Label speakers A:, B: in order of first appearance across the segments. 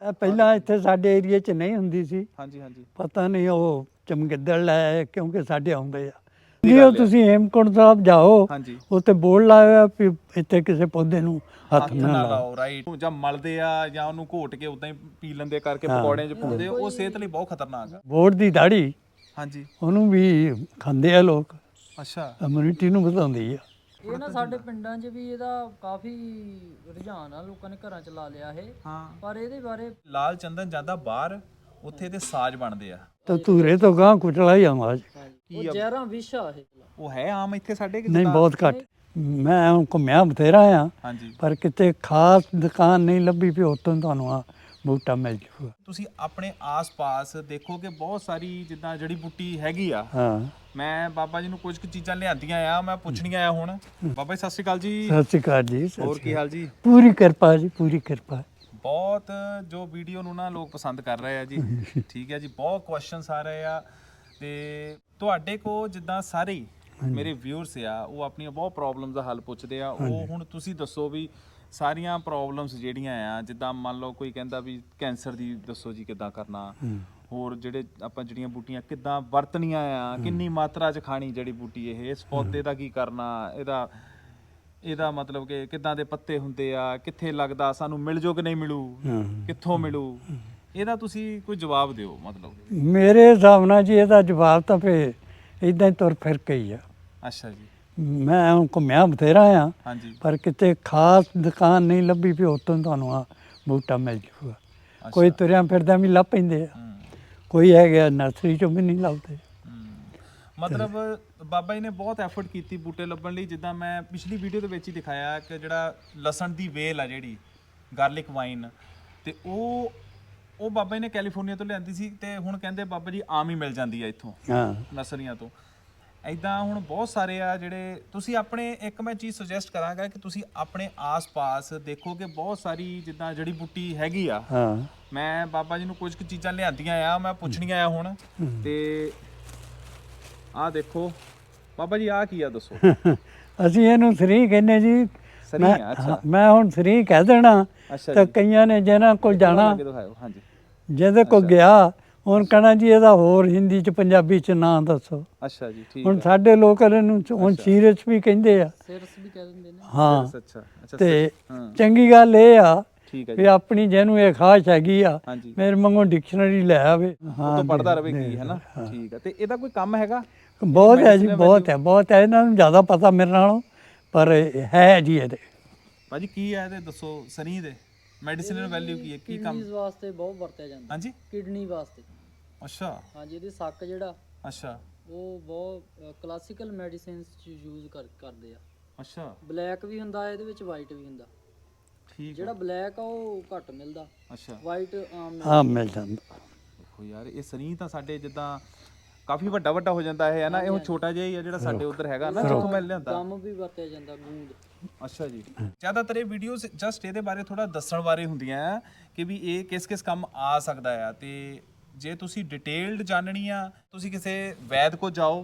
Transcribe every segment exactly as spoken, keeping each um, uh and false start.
A: ਇਹ ਪਹਿਲਾਂ ਇੱਥੇ ਸਾਡੇ ਏਰੀਏ 'ਚ ਨਹੀਂ ਹੁੰਦੀ ਸੀ।
B: ਹਾਂਜੀ ਹਾਂਜੀ
A: ਪਤਾ ਨਹੀਂ ਉਹ ਚਮਗਿੱਦੜ ਲੈ ਕਿਉਂਕਿ ਸਾਡੇ ਆਉਂਦੇ ਆ। ਜੀ ਉਹ ਤੁਸੀਂ ਹੇਮਕੁੰਟ ਸਾਹਿਬ ਜਾਓ,
B: ਹਾਂਜੀ
A: ਉੱਥੇ ਬੋਰਡ ਲਾਇਆ ਵੀ ਇੱਥੇ ਕਿਸੇ ਪੌਦੇ ਨੂੰ ਹੱਥ
B: ਹੱਥ
A: ਨਾ
B: ਨਾ
A: ਲਾਓ।
B: ਲਾਓ, ਰਾਈਟ। ਜਾਂ ਮਲਦੇ ਆ ਜਾਂ ਉਹਨੂੰ ਘੋਟ ਕੇ ਉਦਾਂ ਹੀ ਪੀ ਲੈਂਦੇ ਕਰਕੇ ਪਕੌੜਿਆਂ 'ਚ ਪਾਉਂਦੇ, ਉਹ ਸਿਹਤ ਲਈ ਬਹੁਤ ਖਤਰਨਾਕ ਆ।
A: ਬੋਰਡ ਦੀ ਦਾੜੀ
B: ਹਾਂਜੀ
A: ਉਹਨੂੰ ਵੀ ਖਾਂਦੇ ਆ ਲੋਕ,
B: ਅੱਛਾ
A: ਇਮਿਊਨਿਟੀ ਨੂੰ ਵਧਾਉਂਦੀ ਆ।
C: ਇਹ ਨਾ ਸਾਡੇ ਪਿੰਡਾਂ 'ਚ ਵੀ ਇਹਦਾ ਕਾਫੀ ਰੁਝਾਨ ਆ, ਲੋਕਾਂ ਨੇ ਘਰਾਂ 'ਚ ਲਾ ਲਿਆ ਇਹ।
B: ਹਾਂ।
C: ਪਰ ਇਹਦੇ ਬਾਰੇ
B: ਲਾਲ ਚੰਦਨ ਜਾਂਦਾ ਬਾਹਰ, ਉੱਥੇ ਇਹਦੇ ਸਾਜ਼ ਬਣਦੇ ਆ।
A: ਤਾਂ ਧੂਰੇ ਤੋਂ ਗਾਂ ਕੁਚਲਾ ਹੀ ਆਵਾਜ਼।
C: ਉਹ ਜ਼ਹਿਰਾਂ ਵਿਸ਼ ਆ ਇਹ।
B: ਉਹ ਹੈ ਆਮ ਇੱਥੇ ਸਾਡੇ ਕਿ
A: ਨਹੀਂ,
B: ਜਿੱਦਾਂ-
A: ਬਹੁਤ ਘੱਟ। ਮੈਂ ਹੁਣ ਘੁੰਮਿਆ ਬਥੇਰਾ ਆ,
B: ਹਾਂਜੀ
A: ਪਰ ਕਿਤੇ ਖਾਸ ਦੁਕਾਨ ਨਹੀਂ ਲੱਭੀ ਵੀ ਉੱਥੋਂ ਤੁਹਾਨੂੰ ਆ ਬੂਟਾ ਮਿਲ ਜੂਗਾ।
B: ਤੁਸੀਂ ਆਪਣੇ ਆਸ-ਪਾਸ ਦੇਖੋ ਕਿ ਬਹੁਤ ਸਾਰੀ ਜਿੱਦਾਂ ਜੜੀ ਬੂਟੀ ਹੈਗੀ ਆ।
A: ਹਾਂ,
B: ਮੈਂ ਬਾਬਾ ਜੀ ਨੂੰ ਕੁਝ ਕੁ ਚੀਜ਼ਾਂ ਲਿਆਂਦੀਆਂ ਆ, ਮੈਂ ਪੁੱਛਣੀਆਂ ਆ ਹੁਣ। ਬਾਬਾ ਜੀ ਸਤਿ ਸ਼੍ਰੀ ਅਕਾਲ ਜੀ।
A: ਸਤਿ ਸ਼੍ਰੀ ਅਕਾਲ ਜੀ। ਸਤਿ
B: ਹੋਰ
A: ਸ਼੍ਰੀ
B: ਕੀ
A: ਅਕਾਲ।
B: ਹਾਲ ਜੀ?
A: ਪੂਰੀ ਕਿਰਪਾ ਜੀ, ਪੂਰੀ ਕਿਰਪਾ।
B: ਬਹੁਤ ਜੋ ਵੀਡੀਓ ਨੂੰ ਨਾ ਲੋਕ ਪਸੰਦ ਕਰ ਰਹੇ ਆ ਜੀ। ਠੀਕ ਹੈ ਜੀ, ਬਹੁਤ ਕੁਐਸਚਨਸ ਆ ਰਹੇ ਆ ਤੇ ਤੁਹਾਡੇ ਕੋ ਜਿੱਦਾਂ ਸਾਰੇ ਹੀ ਮੇਰੇ ਵਿਊਅਰਸ ਆ, ਉਹ ਆਪਣੀਆਂ ਬਹੁਤ ਪ੍ਰੋਬਲਮਸ ਦਾ ਹੱਲ ਪੁੱਛਦੇ ਆ। ਉਹ ਹੁਣ ਤੁਸੀਂ ਦੱਸੋ ਵੀ ਸਾਰੀਆਂ ਪ੍ਰੋਬਲਮਸ ਜਿਹੜੀਆਂ ਆ, ਜਿੱਦਾਂ ਮੰਨ ਲਓ ਕੋਈ ਕਹਿੰਦਾ ਵੀ ਕੈਂਸਰ ਦੀ ਦੱਸੋ ਜੀ ਕਿੱਦਾਂ ਕਰਨਾ, ਹੋਰ ਜਿਹੜੇ ਆਪਾਂ ਜਿਹੜੀਆਂ ਬੂਟੀਆਂ ਕਿੱਦਾਂ ਵਰਤਣੀਆਂ ਆ, ਕਿੰਨੀ ਮਾਤਰਾ 'ਚ ਖਾਣੀ ਜੜੀ ਬੂਟੀ, ਇਹ ਇਸ ਪੌਦੇ ਦਾ ਕੀ ਕਰਨਾ, ਇਹਦਾ ਇਹਦਾ ਮਤਲਬ ਕਿ ਕਿੱਦਾਂ ਦੇ ਪੱਤੇ ਹੁੰਦੇ ਆ, ਕਿੱਥੇ ਲੱਗਦਾ, ਸਾਨੂੰ ਮਿਲ ਜੋ ਕਿ ਨਹੀਂ ਮਿਲੂ, ਕਿੱਥੋਂ ਮਿਲੂ, ਇਹਦਾ ਤੁਸੀਂ ਕੋਈ ਜਵਾਬ ਦਿਓ। ਮਤਲਬ
A: ਮੇਰੇ ਹਿਸਾਬ ਨਾਲ ਜੀ ਇਹਦਾ ਜਵਾਬ ਤਾਂ ਫੇ ਇਦਾਂ ਹੀ ਤੁਰ ਫਿਰ ਕੇ ਹੀ ਆ।
B: ਅੱਛਾ ਜੀ।
A: ਮੈਂ ਹੁਣ ਘੁੰਮਿਆ ਬਥੇਰਾ ਆ,
B: ਹਾਂਜੀ
A: ਪਰ ਕਿਤੇ ਖਾਸ ਦੁਕਾਨ ਨਹੀਂ ਲੱਭੀ ਵੀ ਉੱਥੋਂ ਤੁਹਾਨੂੰ ਆ ਬੂਟਾ ਮਿਲ ਜੂਗਾ। ਕੋਈ ਤੁਰਿਆ ਫਿਰਦਾ ਵੀ ਲੱਭ ਪੈਂਦੇ ਆ,
B: ਹੂੰ
A: ਕੋਈ ਹੈਗਾ ਨਰਸਰੀ 'ਚੋਂ ਵੀ ਨਹੀਂ ਲੱਭਦੇ।
B: ਹੂੰ। ਮਤਲਬ ਬਾਬਾ ਜੀ ਨੇ ਬਹੁਤ ਐਫਰਟ ਕੀਤੀ ਬੂਟੇ ਲੱਭਣ ਲਈ। ਜਿੱਦਾਂ ਮੈਂ ਪਿਛਲੀ ਵੀਡੀਓ ਦੇ ਵਿੱਚ ਹੀ ਦਿਖਾਇਆ ਕਿ ਜਿਹੜਾ ਲਸਣ ਦੀ ਵੇਲ ਆ, ਜਿਹੜੀ ਗਾਰਲਿਕ ਵਾਈਨ, ਤੇ ਉਹ ਉਹ ਬਾਬਾ ਜੀ ਨੇ ਕੈਲੀਫੋਰਨੀਆ ਤੋਂ ਲਿਆਂਦੀ ਸੀ, ਤੇ ਹੁਣ ਕਹਿੰਦੇ ਬਾਬਾ ਜੀ ਆਮ ਹੀ ਮਿਲ ਜਾਂਦੀ ਆ ਇੱਥੋਂ
A: ਹਾਂ,
B: ਨਰਸਰੀਆਂ ਤੋਂ। ਐਦਾਂ ਹੁਣ ਬਹੁਤ ਸਾਰੇ ਆ ਜਿਹੜੇ ਤੁਸੀਂ ਆਪਣੇ, ਇੱਕ ਮੈਂ ਚੀਜ਼ ਸੁਜੈਸਟ ਕਰਾਂਗਾ ਕਿ ਤੁਸੀਂ ਆਪਣੇ ਆਸ-ਪਾਸ ਦੇਖੋ ਕਿ ਬਹੁਤ ਸਾਰੀ ਜਿੱਦਾਂ ਜੜੀ ਬੂਟੀ ਹੈਗੀ ਆ।
A: ਹਾਂ।
B: ਮੈਂ ਬਾਬਾ ਜੀ ਨੂੰ ਕੁਝ ਕੁ ਚੀਜ਼ਾਂ ਲਿਆਂਦੀਆਂ ਆ, ਮੈਂ ਪੁੱਛਣੀਆਂ ਆ ਹੁਣ। ਤੇ ਆਹ ਦੇਖੋ ਬਾਬਾ ਜੀ, ਆਹ ਕੀ ਆ ਦੱਸੋ?
A: ਅਸੀਂ ਇਹਨੂੰ ਸਰੀ ਕਹਿੰਦੇ ਜੀ।
B: ਸਰੀ
A: ਮੈਂ
B: ਆ, ਅੱਛਾ।
A: ਹਾਂ, ਮੈਂ ਹੁਣ ਸਰੀ ਕਹਿ ਦੇਣਾ
B: ਅੱਛਾ
A: ਤਾਂ
B: ਜੀ।
A: ਕਈਆਂ ਨੇ ਜਿਹਨਾਂ ਕੋਲ ਜਾਣਾ,
B: ਅੱਗੇ ਦਿਖਾਓ। ਹਾਂਜੀ
A: ਜਿਹਦੇ ਕੋਲ ਗਿਆ ਹੁਣ ਕਹਿਣਾ ਜੀ ਇਹਦਾ ਹੋਰ ਹਿੰਦੀ 'ਚ ਪੰਜਾਬੀ 'ਚ ਨਾਂ ਦੱਸੋ।
B: ਅੱਛਾ ਜੀ, ਠੀਕ
A: ਹੁਣ
B: ਹੈ।
A: ਸਾਡੇ ਲੋਕ ਇਹਨੂੰ ਹੁਣ ਸੀਰਸ ਵੀ ਕਹਿੰਦੇ ਆ।
C: ਸਿਰਸ ਵੀ ਕਹਿ ਦਿੰਦੇ ਨੇ।
A: ਹਾਂ,
B: ਅੱਛਾ ਅੱਛਾ।
A: ਤੇ
B: ਹਾਂ
A: ਚੰਗੀ ਗੱਲ ਇਹ ਆ
B: ਠੀਕ ਹੈ
A: ਵੀ
B: ਜੀ।
A: ਆਪਣੀ ਜਿਹਨੂੰ ਇਹ ਖਾਸ਼ ਹੈਗੀ ਆ,
B: ਹਾਂਜੀ,
A: ਮੇਰੇ ਵਾਂਗੂ ਡਿਕਸ਼ਨਰੀ ਲੈ ਆਵੇ।
B: ਉਹ ਤੋਂ ਪੜਦਾ ਰਹੇ ਕੀ ਹੈ ਨਾ। ਠੀਕ ਹੈ। ਤੇ ਇਹਦਾ ਕੋਈ ਕੰਮ ਹੈਗਾ?
A: ਬਹੁਤ ਹੈ ਜੀ, ਬਹੁਤ ਹੈ, ਬਹੁਤ ਹੈ। ਇਹਨਾਂ ਨੂੰ ਜ਼ਿਆਦਾ ਪਤਾ ਮੇਰੇ ਨਾਲੋਂ, ਪਰ ਹੈ ਜੀ ਇਹਦੇ।
B: ਭਾਜੀ ਕੀ ਹੈ ਇਹਦੇ ਦੱਸੋ, ਸਨੀ ਦੇ ਮੈਡੀਸਿਨਲ ਵੈਲਿਊ ਕੀ ਹੈ, ਕੀ ਕੰਮ?
C: ਕਿਡਨੀਜ਼ ਵਾਸਤੇ ਬਹੁਤ ਵਰਤਿਆ ਜਾਂਦਾ।
B: ਹਾਂਜੀ,
C: ਕਿਡਨੀ ਵਾਸਤੇ।
B: ਅੱਛਾ
C: ਹਾਂਜੀ, ਇਹਦੀ ਸੱਕ ਜਿਹੜਾ
B: ਅੱਛਾ
C: ਉਹ ਬਹੁਤ ਕਲਾਸੀਕਲ ਮੈਡੀਸਿਨਸ 'ਚ ਯੂਜ਼ ਕਰ ਕਰਦੇ ਆ।
B: ਅੱਛਾ,
C: ਬਲੈਕ ਵੀ ਹੁੰਦਾ ਇਹਦੇ ਵਿੱਚ, ਵਾਈਟ ਵੀ ਹੁੰਦਾ।
B: ਠੀਕ
C: ਜਿਹੜਾ ਬਲੈਕ ਆ ਉਹ ਘੱਟ ਮਿਲਦਾ,
B: ਅੱਛਾ।
C: ਵਾਈਟ ਆਮ ਮਿਲਦਾ।
A: ਹਾਂ, ਮਿਲ ਜਾਂਦਾ।
B: ਦੇਖੋ ਯਾਰ, ਇਹ ਸਨੀ ਤਾਂ ਸਾਡੇ ਜਿੱਦਾਂ ਕਾਫੀ ਵੱਡਾ ਵੱਡਾ ਹੋ ਜਾਂਦਾ ਹੈ ਨਾ, ਇਹ ਹੁਣ ਛੋਟਾ ਜਿਹਾ ਹੀ ਆ ਜਿਹੜਾ ਸਾਡੇ ਉੱਧਰ ਹੈਗਾ ਨਾ, ਜਿੱਥੋਂ ਮੈਂ ਲਿਆਂਦਾ।
C: ਗਮ ਵੀ ਵਰਤਿਆ ਜਾਂਦਾ, ਗੂੰਦ।
B: ਅੱਛਾ ਜੀ। ਜ਼ਿਆਦਾਤਰ ਇਹ ਵੀਡੀਓਜ਼ ਜਸਟ ਇਹਦੇ ਬਾਰੇ ਥੋੜਾ ਦੱਸਣ ਬਾਰੇ ਹੁੰਦੀਆਂ ਆ ਕਿ ਵੀ ਇਹ ਕਿਸ ਕਿਸ ਕੰਮ ਆ ਸਕਦਾ ਆ। ਤੇ ਜੇ ਤੁਸੀਂ ਡਿਟੇਲਡ ਜਾਣਨੀ ਆ, ਤੁਸੀਂ ਕਿਸੇ ਵੈਦ ਕੋ ਜਾਓ,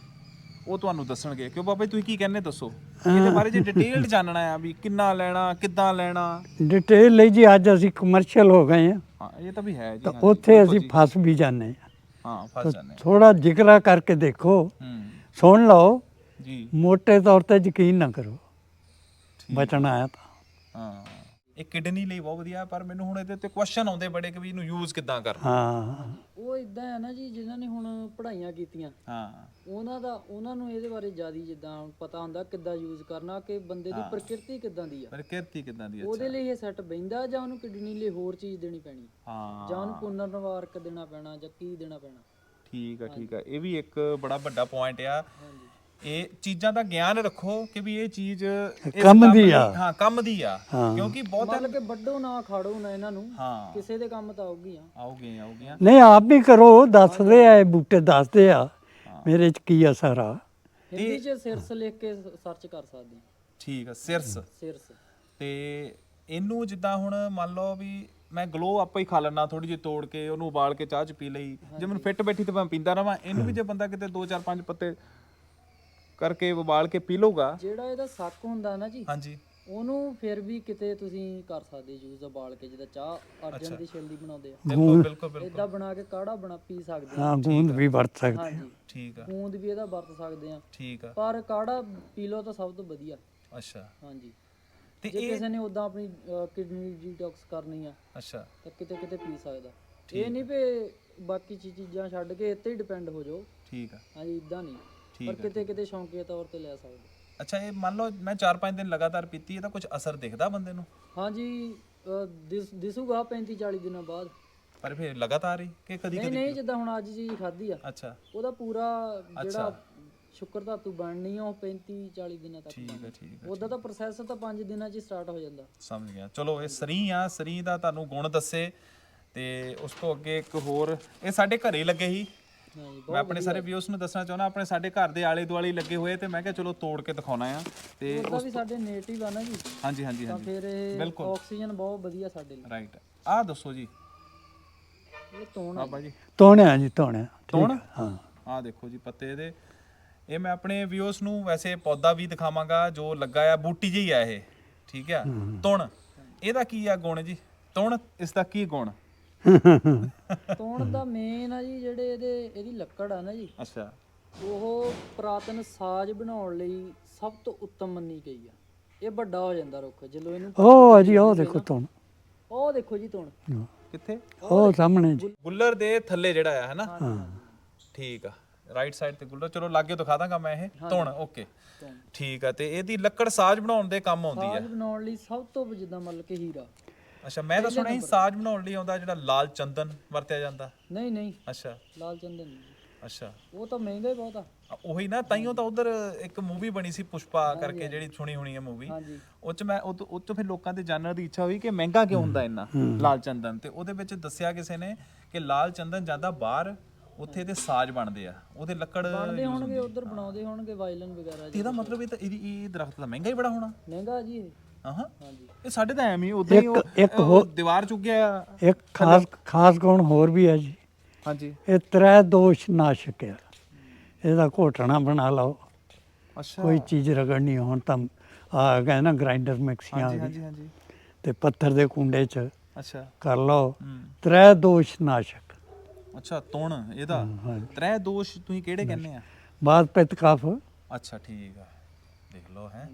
B: ਉਹ ਤੁਹਾਨੂੰ ਦੱਸਣਗੇ। ਕਿਉਂ ਬਾਬਾ ਜੀ, ਤੁਸੀਂ ਕੀ ਕਹਿੰਦੇ ਦੱਸੋ ਇਹਦੇ ਬਾਰੇ? ਜੇ ਡਿਟੇਲਡ ਜਾਣਨਾ ਆ ਵੀ ਕਿੰਨਾ ਲੈਣਾ, ਕਿੱਦਾਂ ਲੈਣਾ।
A: ਡਿਟੇਲ ਲਈ ਜੀ ਅੱਜ ਅਸੀਂ ਕਮਰਸ਼ੀਅਲ ਹੋ ਗਏ ਆ,
B: ਹਾਂ, ਇਹ ਤਾਂ ਵੀ ਹੈ ਜੀ।
A: ਤਾਂ
B: ਹਾਂਜੀ,
A: ਉੱਥੇ
B: ਬਿਲਕੁਲ
A: ਅਸੀਂ
B: ਜੀ।
A: ਫਸ ਵੀ ਜਾਂਦੇ ਆ।
B: ਹਾਂ, ਫਸ ਜਾਂਦੇ ਆ।
A: ਥੋੜਾ ਜ਼ਿਕਰਾ ਕਰਕੇ ਦੇਖੋ,
B: ਹੂੰ
A: ਸੁਣ ਲਓ,
B: ਜੀ।
A: ਮੋਟੇ ਤੌਰ ਤੇ ਯਕੀਨ ਨਾ ਕਰੋ,
B: ਠੀਕ।
A: ਬਚਣਾ ਆਇਆ ਤਾਂ।
B: ਹਾਂ, ਇਹ ਕਿਡਨੀ ਲਈ ਬਹੁਤ ਵਧੀਆ, ਪਰ ਮੈਨੂੰ ਹੁਣ ਇਹਦੇ ਤੇ ਕੁਐਸਚਨ ਆਉਂਦੇ ਬੜੇ ਕਿ ਵੀ ਇਹਨੂੰ ਯੂਜ਼ ਕਿੱਦਾਂ ਕਰਨਾ।
A: ਹਾਂ,
C: ਉਹ ਇਦਾਂ ਹੈ ਨਾ ਜੀ, ਜਿਨ੍ਹਾਂ ਨੇ ਹੁਣ ਪੜ੍ਹਾਈਆਂ ਕੀਤੀਆਂ,
B: ਹਾਂ
C: ਉਹਨਾਂ ਦਾ ਉਹਨਾਂ ਨੂੰ ਇਹਦੇ ਬਾਰੇ ਜ਼ਿਆਦਾ ਜਿੱਦਾਂ ਪਤਾ ਹੁੰਦਾ ਕਿੱਦਾਂ ਯੂਜ਼ ਕਰਨਾ, ਕਿ ਬੰਦੇ ਦੀ ਪ੍ਰਕਿਰਤੀ ਕਿੱਦਾਂ ਦੀ ਆ,
B: ਪ੍ਰਕਿਰਤੀ ਕਿੱਦਾਂ ਦੀ।
C: ਉਹਦੇ
B: ਅੱਛਾ,
C: ਲਈ ਇਹ ਸੈੱਟ ਬਹਿੰਦਾ, ਜਾਂ ਉਹਨੂੰ ਕਿਡਨੀ ਲਈ ਹੋਰ ਚੀਜ਼ ਦੇਣੀ ਪੈਣੀ,
B: ਹਾਂ
C: ਜਾਂ ਉਹਨੂੰ ਪੁਨਰਨਵਾਰਕ ਦੇਣਾ ਪੈਣਾ, ਜਾਂ ਕੀ ਦੇਣਾ ਪੈਣਾ।
B: ਠੀਕ ਆ, ਠੀਕ ਆ। ਇਹ ਵੀ ਇੱਕ ਬੜਾ ਵੱਡਾ ਪੁਆਇੰਟ ਆ।
C: ਹਾਂਜੀ,
B: ਇਹ ਚੀਜ਼ਾਂ ਦਾ ਗਿਆਨ ਰੱਖੋ ਕਿ ਵੀ ਇਹ ਚੀਜ਼ ਇਸ
A: ਕੰਮ ਦੀ
B: ਲਈ-
A: ਆ।
B: ਹਾਂ, ਕੰਮ ਦੀ ਆ।
A: ਹਾਂ।
B: ਕਿਉਂਕਿ ਬਹੁਤ
C: ਮਤਲਬ ਕਿ ਵੱਡੋ ਨਾ ਖਾੜੋ ਨਾ ਇਹਨਾਂ ਨੂੰ,
B: ਹਾਂ
C: ਕਿਸੇ ਦੇ ਕੰਮ ਤਾਂ ਆਉਗੀ ਆ।
B: ਆਉਗੇ ਆਉਗੀਆਂ।
A: ਨਹੀਂ ਆਪ ਵੀ ਕਰੋ, ਦੱਸਦੇ ਆ ਇਹ ਬੂਟੇ, ਦੱਸਦੇ ਆ ਮੇਰੇ 'ਚ ਕੀ ਅਸਰ ਆ।
C: ਹਿੰਦੀ 'ਚ ਸਿਰਸ ਲਿਖ ਕੇ ਸਰਚ ਕਰ ਸਕਦੇ ਆ।
B: ਠੀਕ ਆ, ਸਿਰਸ।
C: ਸਿਰਸ
B: ਤੇ ਇਹਨੂੰ ਜਿੱਦਾਂ ਹੁਣ ਮੰਨ ਲਓ ਵੀ ਮੈਂ ਗਲੋ ਆਪਾਂ ਹੀ ਖਾ ਲੈਣਾ, ਥੋੜੀ ਜਿਹੀ ਤੋੜ ਕੇ ਉਹਨੂੰ ਉਬਾਲ ਕੇ ਚਾਹ ਚ ਪੀ ਲਈ, ਜੇ ਮੈਨੂੰ ਫਿੱਟ ਬੈਠੀ ਤੇ ਮੈਂ ਪੀਂਦਾ ਰਵਾਂ। ਇਹਨੂੰ ਵੀ ਜੇ ਬੰਦਾ ਕਿਤੇ ਦੋ ਚਾਰ ਪੰਜ ਪੱਤੇ ਕਰਕੇ ਉਬਾਲ ਕੇ ਪੀ ਲਊਗਾ।
C: ਜਿਹੜਾ ਇਹਦਾ ਸੱਕ ਹੁੰਦਾ ਨਾ ਜੀ,
B: ਹਾਂਜੀ,
C: ਉਹਨੂੰ ਫਿਰ ਵੀ ਕਿਤੇ ਤੁਸੀਂ ਕਰ ਸਕਦੇ ਯੂਜ਼ ਉਬਾਲ ਕੇ, ਜਿੱਦਾਂ ਚਾਹ ਅਰਜਨ ਦੀ ਛਿਲਦੀ ਬਣਾਉਂਦੇ ਆ,
B: ਬਿਲਕੁਲ ਬਿਲਕੁਲ ਬਿਲਕੁਲ
C: ਇਦਾਂ ਬਣਾ ਕੇ ਕਾੜਾ ਬਣਾ ਪੀ ਸਕਦੇ ਆ।
A: ਹਾਂ ਗੂੰਦ ਵੀ ਵਰਤ ਸਕਦੇ
C: ਹਾਂਜੀ
B: ਠੀਕ ਆ
C: ਗੂੰਦ ਵੀ ਇਹਦਾ ਵਰਤ ਸਕਦੇ ਆ,
B: ਠੀਕ ਆ
C: ਪਰ ਕਾੜਾ ਪੀ ਲਓ ਤਾਂ ਸਭ ਤੋਂ ਵਧੀਆ।
B: ਅੱਛਾ
C: ਹਾਂਜੀ
B: ਤੇ
C: ਜੇ
B: ਇਹ
C: ਕਿਸੇ ਨੇ ਉਦਾਂ ਆਪਣੀ ਕਿਡਨੀ ਡੀਟੌਕਸ ਕਰਨੀ ਆ
B: ਅੱਛਾ
C: ਤਾਂ ਕਿਤੇ ਕਿਤੇ ਪੀ ਸਕਦਾ। ਇਹ ਨਹੀਂ ਵੀ ਬਾਕੀ ਚੀ- ਚੀਜ਼ਾਂ ਛੱਡ ਕੇ ਇੱਥੇ ਹੀ ਡਿਪੈਂਡ ਹੋ ਜਾਓ।
B: ਠੀਕ ਆ
C: ਹਾਂਜੀ ਇਦਾਂ ਨਹੀਂ,
B: ਠੀਕ
C: ਪਰ ਕਿਤੇ ਕਿਤੇ ਸ਼ੌਂਕੀਆ ਤੌਰ ਤੇ ਲੈ ਸਕਦੇ।
B: ਅੱਛਾ ਇਹ ਮੰਨ ਲਓ ਮੈਂ ਚਾਰ ਪੰਜ ਦਿਨ ਲਗਾਤਾਰ ਪੀਤੀ, ਇਹਦਾ ਕੁਝ ਅਸਰ ਦਿਖਦਾ ਬੰਦੇ ਨੂੰ?
C: ਹਾਂਜੀ ਅਹ ਦਿਸ ਦਿਸੂਗਾ ਪੈਂਤੀ ਚਾਲੀ ਦਿਨਾਂ ਬਾਅਦ।
B: ਪਰ ਫਿਰ ਲਗਾਤਾਰ ਹੀ ਕਿ ਕਦੀ
C: ਨਹੀਂ
B: ਕਦੀ?
C: ਨਹੀਂ ਜਿੱਦਾਂ ਹੁਣ ਅੱਜ ਚੀਜ਼ ਖਾਧੀ ਆ,
B: ਅੱਛਾ
C: ਉਹਦਾ ਪੂਰਾ ਜਿਹੜਾ ਸ਼ੁਕਰ ਧਾਤੂ ਬਣਨੀ ਆ ਉਹ ਪੈਂਤੀ ਚਾਲੀ ਦਿਨਾਂ ਤੱਕ
B: ਠੀਕ ਹੈ ਠੀਕ ਹੈ
C: ਉਹਦਾ ਤਾਂ ਪ੍ਰੋਸੈਸ ਤਾਂ ਪੰਜ ਦਿਨਾਂ 'ਚ ਹੀ ਸਟਾਰਟ ਹੋ ਜਾਂਦਾ।
B: ਸਮਝ ਗਿਆ। ਚਲੋ ਇਹ ਸਰੀ ਆ, ਸਰੀ ਦਾ ਤੁਹਾਨੂੰ ਗੁਣ ਦੱਸੇ ਤੇ ਉਸ ਤੋਂ ਅੱਗੇ ਇੱਕ ਹੋਰ, ਇਹ ਸਾਡੇ ਘਰੇ ਹੀ ਲੱਗੇ ਸੀ।
C: ਹਾਂਜੀ
B: ਮੈਂ ਆਪਣੇ ਸਾਰੇ ਵਿਊਸ ਨੂੰ ਦੱਸਣਾ ਚਾਹੁੰਦਾ, ਆਪਣੇ ਸਾਡੇ ਘਰ ਦੇ ਆਲੇ ਦੁਆਲੇ ਲੱਗੇ ਹੋਏ ਤੇ ਮੈਂ ਕਿਹਾ ਚਲੋ ਤੋੜ ਕੇ ਦਿਖਾਉਣਾ ਆ। ਤੇ
C: ਉਹਦਾ ਵੀ ਸਾਡੇ ਨੇਟਿਵ ਆ ਨਾ ਜੀ,
B: ਹਾਂਜੀ ਹਾਂਜੀ
C: ਤਾਂ
B: ਹਾਂਜੀ
C: ਫਿਰ ਇਹ ਆਕਸੀਜਨ ਬਹੁਤ ਵਧੀਆ ਸਾਡੇ ਲਈ।
B: ਰਾਈਟ। ਆਹ ਦੱਸੋ ਜੀ
C: ਇਹ ਤੋਣ
B: ਬਾਬਾ ਜੀ,
A: ਧੋਣਿਆ ਜੀ ਧੋਣਿਆ
B: ਤੋਣ?
A: ਹਾਂ
B: ਆਹ ਦੇਖੋ ਜੀ ਪੱਤੇ ਇਹਦੇ। ਇਹ ਮੈਂ ਆਪਣੇ ਵਿਊਸ ਨੂੰ ਵੈਸੇ ਪੌਦਾ ਵੀ ਦਿਖਾਵਾਂਗਾ ਜੋ ਲੱਗਾ ਆ, ਬੂਟੀ ਜਿਹੀ ਆ ਇਹ, ਠੀਕ ਆ। ਤੁਣ ਇਹਦਾ ਕੀ ਆ ਗੁਣ ਜੀ? ਤੁਣ ਇਸ ਦਾ ਕੀ ਗੁਣ?
C: ਤੋਣ ਦਾ ਮੇਨ ਆ ਜੀ ਜਿਹੜੇ ਇਹਦੇ ਇਹਦੀ ਲੱਕੜ ਆ ਨਾ ਜੀ,
B: ਅੱਛਾ
C: ਉਹ ਪੁਰਾਤਨ ਸਾਜ਼ ਬਣਾਉਣ ਲਈ ਸਭ ਤੋਂ ਉੱਤਮ ਮੰਨੀ ਗਈ ਆ। ਇਹ ਵੱਡਾ ਹੋ ਜਾਂਦਾ ਰੁੱਖ ਜਦੋਂ ਇਹਨੂੰ
A: ਉਹ ਜੀ ਉਹ ਦੇਖੋ ਧੋਣ,
C: ਉਹ ਦੇਖੋ ਜੀ ਤੋਣ
B: ਕਿੱਥੇ?
A: ਉਹ ਸਾਹਮਣੇ ਜੀ।
B: ਗੁੱਲਰ ਦੇ ਥੱਲੇ ਜਿਹੜਾ ਆ ਹੈਨਾ?
A: ਹਾਂ
B: ਠੀਕ ਆ, ਰਾਈਟ ਸਾਈਡ ਤੇ ਗੁੱਲਰ। ਚਲੋ ਲਾਗੇ ਦਿਖਾ ਦਾਂਗਾ ਮੈਂ ਇਹ ਧੁਣ। ਓਕੇ ਠੀਕ ਆ। ਤੇ ਇਹਦੀ ਲੱਕੜ ਸਾਜ਼ ਬਣਾਉਣ ਦੇ ਕੰਮ ਆਉਂਦੀ
C: ਸਾਜ਼
B: ਆ?
C: ਬਣਾਉਣ ਲਈ ਸਭ ਤੋਂ ਜਿੱਦਾਂ ਮਤਲਬ ਕਿ ਹੀਰਾ।
B: ਅੱਛਾ ਮੈਂ ਤਾਂ ਸੁਣਿਆ ਸੀ ਸਾਜ਼ ਬਣਾਉਣ ਲਈ ਆਉਂਦਾ ਜਿਹੜਾ ਲਾਲ ਚੰਦਨ ਵਰਤਿਆ ਜਾਂਦਾ।
C: ਨਹੀਂ ਨਹੀਂ
B: ਅੱਛਾ
C: ਲਾਲ ਚੰਦਨ ਨਹੀਂ,
B: ਅੱਛਾ
C: ਉਹ ਤਾਂ ਮਹਿੰਗਾ ਹੀ ਬਹੁਤ ਆ।
B: ਆ, ਉਹੀ ਨਾ, ਤਾਈਓ ਤਾਂ ਉਧਰ ਇੱਕ ਮੂਵੀ ਬਣੀ ਸੀ ਪੁਸ਼ਪਾ ਕਰਕੇ, ਜਿਹੜੀ ਸੁਣੀ ਹੋਣੀ ਹੈ ਮੂਵੀ।
C: ਹਾਂਜੀ
B: ਉਹ ਚ ਮੈਂ ਉਹ ਉਹ ਤੋਂ ਫਿਰ ਲੋਕਾਂ ਦੇ ਜਾਣਨ ਦੀ ਇੱਛਾ ਹੋਈ ਕਿ ਮਹਿੰਗਾ ਕਿਉਂ ਹੁੰਦਾ ਇੰਨਾ ਲਾਲ ਚੰਦਨ। ਤੇ ਉਹਦੇ ਵਿੱਚ ਦੱਸਿਆ ਕਿਸੇ ਨੇ ਕਿ ਲਾਲ ਚੰਦਨ ਜਾਂਦਾ ਬਾਹਰ, ਉੱਥੇ ਇਹਦੇ ਸਾਜ਼ ਬਣਦੇ ਆ, ਉਹਦੇ ਲੱਕੜ
C: ਬਣਦੇ ਹੋਣਗੇ ਉਧਰ, ਬਣਾਉਂਦੇ ਹੋਣਗੇ ਵਾਇਲਨ ਵਗੈਰਾ ਜੀ।
B: ਇਹਦਾ ਮਤਲਬ ਇਹ ਤਾਂ ਇਹਦੀ ਇਹ ਦਰਖਤ ਤਾਂ ਮਹਿੰਗਾ ਹੀ ਬੜਾ ਹੋਣਾ।
C: ਮਹਿੰਗਾ ਜੀ ਇਹ।
B: ਹਾਂ ਹਾਂ
C: ਹਾਂਜੀ
B: ਇਹ ਸਾਡੇ ਤਾਂ ਐਵੇਂ ਹੀ ਉਦਾਂ ਹੀ ਉਹ-
A: ਇੱਕ
B: ਉਹ ਦੀਵਾਰ ਚੁੱਕਿਆ।
A: ਇੱਕ ਖਾਸ ਖਾਸ ਗੁਣ ਹੋਰ ਵੀ ਹੈ ਜੀ,
B: ਹਾਂਜੀ
A: ਇਹ ਤ੍ਰੈ ਦੋਸ਼ ਨਾਸ਼ਕ ਹੈ। ਇਹਦਾ ਘੋਟਣਾ ਬਣਾ ਲਓ,
B: ਅੱਛਾ
A: ਕੋਈ ਚੀਜ਼ ਰਗੜਨੀ ਹੋਣ ਤਾਂ ਆ ਗਏ ਨਾ ਗ੍ਰਾਈਂਡਰ ਮਿਕਸੀਆਂ
B: ਹਾਂਜੀ
A: ਦੀ,
B: ਹਾਂਜੀ ਹਾਂਜੀ
A: ਤੇ ਪੱਥਰ ਦੇ ਕੁੰਡੇ 'ਚ
B: ਅੱਛਾ
A: ਕਰ ਲਓ।
B: ਹੂੰ
A: ਤ੍ਰੈ ਦੋਸ਼ ਨਾਸ਼ਕ।
B: ਅੱਛਾ ਤੁਣ ਇਹਦਾ
A: ਹਾਂਜੀ
B: ਤ੍ਰੈ ਦੋਸ਼ ਤੁਸੀਂ ਕਿਹੜੇ ਕਹਿੰਦੇ ਆ?
A: ਬਾਤ ਪਿੱਤ ਕਫ।
B: ਅੱਛਾ ਠੀਕ ਆ, ਦੇਖ ਲਓ ਹੈ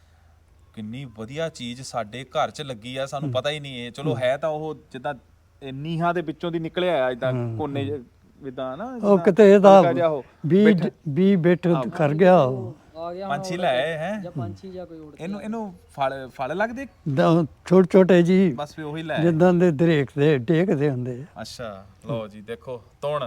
B: ਕਿੰਨੀ ਵਧੀਆ ਚੀਜ਼ ਸਾਡੇ ਘਰ 'ਚ ਲੱਗੀ ਆ, ਸਾਨੂੰ ਪਤਾ ਹੀ ਨਹੀਂ। ਇਹ ਚਲੋ ਹੈ ਤਾਂ ਉਹ ਜਿੱਦਾਂ ਨੀਹਾਂ ਦੇ ਵਿੱਚੋਂ ਦੀ ਨਿਕਲਿਆ ਆ, ਇਦਾਂ ਕੋਨੇ ਜਿੱਦਾਂ ਨਾ,
A: ਉਹ ਕਿਤੇ ਇਹਦਾ
B: ਹਲਕਾ ਜਿਹਾ ਉਹ
A: ਵੀ ਵੀ ਬਿੱਠ ਕਰ ਗਿਆ ਉਹ।
C: ਆ ਗਿਆ
B: ਪੰਛੀ ਲੈ ਆਏ ਹੈ
C: ਜਾਂ ਪੰਛੀ ਜਾਂ ਕੋਈ ਉੜ
B: ਇਹਨੂੰ ਇਹਨੂੰ ਫਲ ਫਲ ਲੱਗਦੇ
A: ਦ- ਛੋਟੇ ਛੋਟੇ ਜੀ,
B: ਬਸ ਫਿਰ ਉਹੀ ਲੈ ਆਏ।
A: ਜਿੱਦਾਂ ਦੇ ਦਰੇਕ ਦੇ ਟੇਕਦੇ ਹੁੰਦੇ ਆ।
B: ਅੱਛਾ ਲਓ ਜੀ ਦੇਖੋ ਤੁਣ।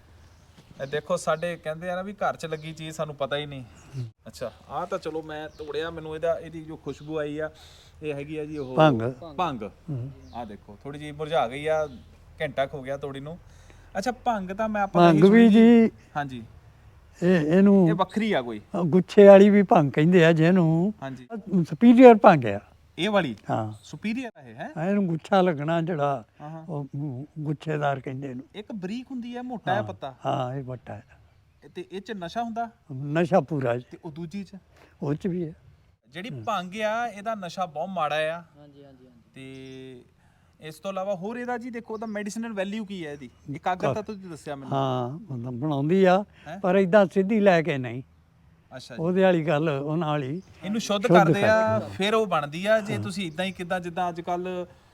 B: ਇਹ ਦੇਖੋ ਸਾਡੇ ਕਹਿੰਦੇ ਆ ਨਾ ਵੀ ਘਰ 'ਚ ਲੱਗੀ ਚੀਜ਼ ਸਾਨੂੰ ਪਤਾ ਹੀ ਨਹੀਂ। ਅੱਛਾ ਆਹ ਤਾਂ ਚਲੋ ਮੈਂ ਤੋੜਿਆ, ਮੈਨੂੰ ਇਹਦਾ ਇਹਦੀ ਜੋ ਖੁਸ਼ਬੂ ਆਈ ਆ ਇਹ ਹੈਗੀ ਆ ਜੀ ਉਹ
A: ਭੰਗ।
B: ਭੰਗ। ਆਹ ਦੇਖੋ ਥੋੜੀ ਜਿਹੀ ਮੁਰਝਾ ਗਈ ਆ, ਘੰਟਾ ਕੁ ਹੋ ਗਿਆ ਤੋੜੀ ਨੂੰ। ਅੱਛਾ ਭੰਗ ਤਾਂ ਮੈਂ ਆਪਾਂ
A: ਭੰਗ ਵੀ ਜੀ
B: ਹਾਂਜੀ
A: ਇਹ
B: ਇਹ
A: ਇਹਨੂੰ
B: ਵੱਖਰੀ ਆ ਕੋਈ?
A: ਗੁੱਛੇ ਵਾਲੀ ਵੀ ਭੰਗ ਕਹਿੰਦੇ ਆ ਜਿਹਨੂੰ,
B: ਹਾਂਜੀ
A: ਸੁਪੀਰੀਅਰ ਭੰਗ ਆ।
B: ਇਹ ਵਾਲੀ
A: ਹਾਂ
B: ਸੁਪੀਰੀਅਰ ਹੈ ਹੈ?
A: ਇਹਨੂੰ ਗੁੱਛਾ ਲੱਗਣਾ ਜਿਹੜਾ,
B: ਹਾਂ ਹਾਂ
A: ਉਹ ਗੁੱਛੇਦਾਰ ਕਹਿੰਦੇ ਇਹਨੂੰ।
B: ਇੱਕ ਬਰੀਕ ਹੁੰਦੀ ਹੈ, ਮੋਟਾ ਹੈ ਪੱਤਾ,
A: ਹਾਂ ਇਹ ਵੱਟਾ ਹੈ।
B: ਤੇ ਇਹ 'ਚ ਨਸ਼ਾ ਹੁੰਦਾ
A: ਨਸ਼ਾ ਪੂਰਾ ਜੀ,
B: ਤੇ ਉਹ ਦੂਜੀ 'ਚ?
A: ਉਹ ਚ ਵੀ ਹੈ।
B: ਜਿਹੜੀ ਭੰਗ ਆ ਇਹਦਾ ਨਸ਼ਾ ਬਹੁਤ ਮਾੜਾ ਆ।
C: ਹਾਂਜੀ ਹਾਂਜੀ ਹਾਂਜੀ
B: ਤੇ ਇਸ ਤੋਂ ਇਲਾਵਾ ਹੋਰ ਇਹਦਾ ਜੀ ਦੇਖੋ ਉਹਦਾ ਮੈਡੀਸਿਨਲ ਵੈਲਿਊ ਕੀ ਹੈ ਇਹਦੀ? ਇਕਾਗਰਤਾ ਤੁਸੀਂ ਦੱਸਿਆ ਮੈਨੂੰ।
A: ਹਾਂ ਮਤਲਬ ਬਣਾਉਂਦੀ ਆ, ਪਰ ਇਦਾਂ ਸਿੱਧੀ ਲੈ ਕੇ ਨਹੀਂ।
B: ਅੱਛਾ ਜੀ
A: ਉਹਦੇ ਵਾਲੀ ਗੱਲ ਉਹਨਾਂ ਵਾਲੀ।
B: ਇਹਨੂੰ ਸ਼ੁੱਧ ਕਰਦੇ ਆ ਫਿਰ ਉਹ ਬਣਦੀ ਆ। ਜੇ ਤੁਸੀਂ ਇਦਾਂ ਹੀ ਕਿਦਾਂ ਜਿੱਦਾਂ ਅੱਜ ਕੱਲ